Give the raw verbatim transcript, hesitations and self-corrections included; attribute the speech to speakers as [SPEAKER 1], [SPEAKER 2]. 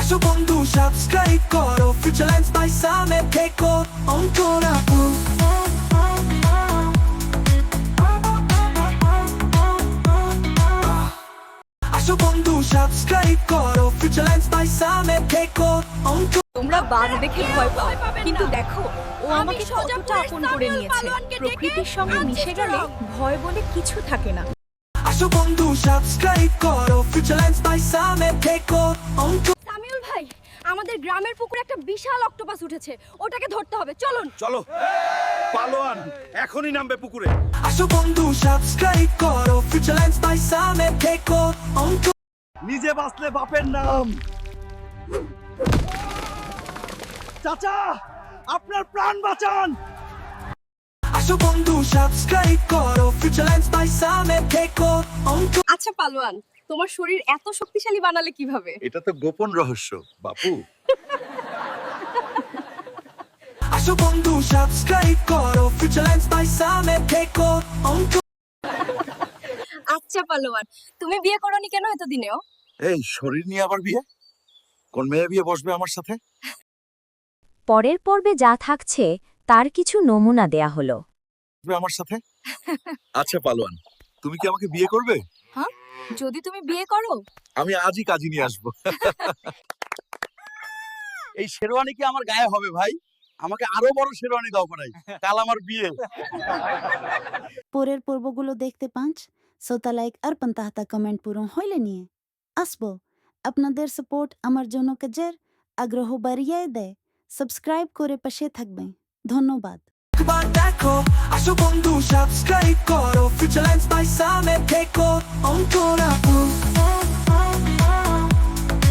[SPEAKER 1] আসো বন্ধু সাবস্ক্রাইব করো ফিউচার লেন্স বাই সামে থেকো অন্তরাপু আসো বন্ধু সাবস্ক্রাইব করো ফিউচার লেন্স বাই সামে থেকো অন্ত
[SPEAKER 2] তোমরা বাঘ দেখে ভয় পাও কিন্তু দেখো ও আমাকে কতটা আপন করে নিয়েছে প্রকৃতির সঙ্গে মিশে গেলে ভয় বলে কিছু থাকে না।
[SPEAKER 1] আসো বন্ধু সাবস্ক্রাইব করো ফিউচার লেন্স বাই সামে থেকো অন্ত
[SPEAKER 2] সামিউল ভাই আমাদের গ্রামের পুকুরে একটা বিশাল অক্টোপাস উঠেছে, ওটাকে ধরতে হবে, চলুন।
[SPEAKER 3] চলো পালোয়ান এখনই নামবে পুকুরে।
[SPEAKER 1] আসো বন্ধু সাবস্ক্রাইব করো ফিউচার লেন্স বাই সামে থেকো অন্ত
[SPEAKER 3] নিজে বাঁচলে বাপের নাম। চাচা আপনার প্রাণ বাঁচান।
[SPEAKER 1] আসো বন্ধু সাবস্ক্রাইব করো ফিউচার লেন্স বাই সামে থেকো অন্ত
[SPEAKER 2] আচ্ছা পালোয়ান, তোমার শরীর এত শক্তিশালী বানালে কিভাবে?
[SPEAKER 3] এটা তো গোপন রহস্য বাপু।
[SPEAKER 1] আসো বন্ধু সাবস্ক্রাইব করো ফিউচার লেন্স বাই সামে থেকো অন্ত
[SPEAKER 2] আচ্ছা পালোয়ান, তুমি বিয়ে করোনি কেন এতদিনেও?
[SPEAKER 3] এই শরীর নিয়ে আবার বিয়ে? কোন মেয়ে বিয়ে বসবে আমার সাথে?
[SPEAKER 4] পরের পর্বে যা থাকছে তার কিছু নমুনা দেয়া হলো।
[SPEAKER 3] বসবে আমার সাথে? আচ্ছা পালোয়ান, তুমি কি আমাকে বিয়ে করবে?
[SPEAKER 2] হ্যাঁ, যদি তুমি বিয়ে করো
[SPEAKER 3] আমি আজই কাজী নিয়ে আসবো। এই শেরওয়ানি কি আমার গায়ে হবে ভাই? আমাকে আরো বড় শেরওয়ানি দাও পারাই, কাল আমার বিয়ে।
[SPEAKER 5] পরের পর্বগুলো দেখতে পাঁচ সোতা লাইক আর পান্তাহাতা কমেন্ট পূরণ হইলে নিয়ে আসবো। আপনাদের সাপোর্ট আমার জন্য কাজের আগ্রহ বাড়িয়ে দেয়। সাবস্ক্রাইব করে পাশে থাকবেন, ধন্যবাদ।
[SPEAKER 1] একবার দেখো আসো বন্ধু সাবস্ক্রাইব করো ফিউচার লেন্স বাই সামে থেকো অন্তরাপু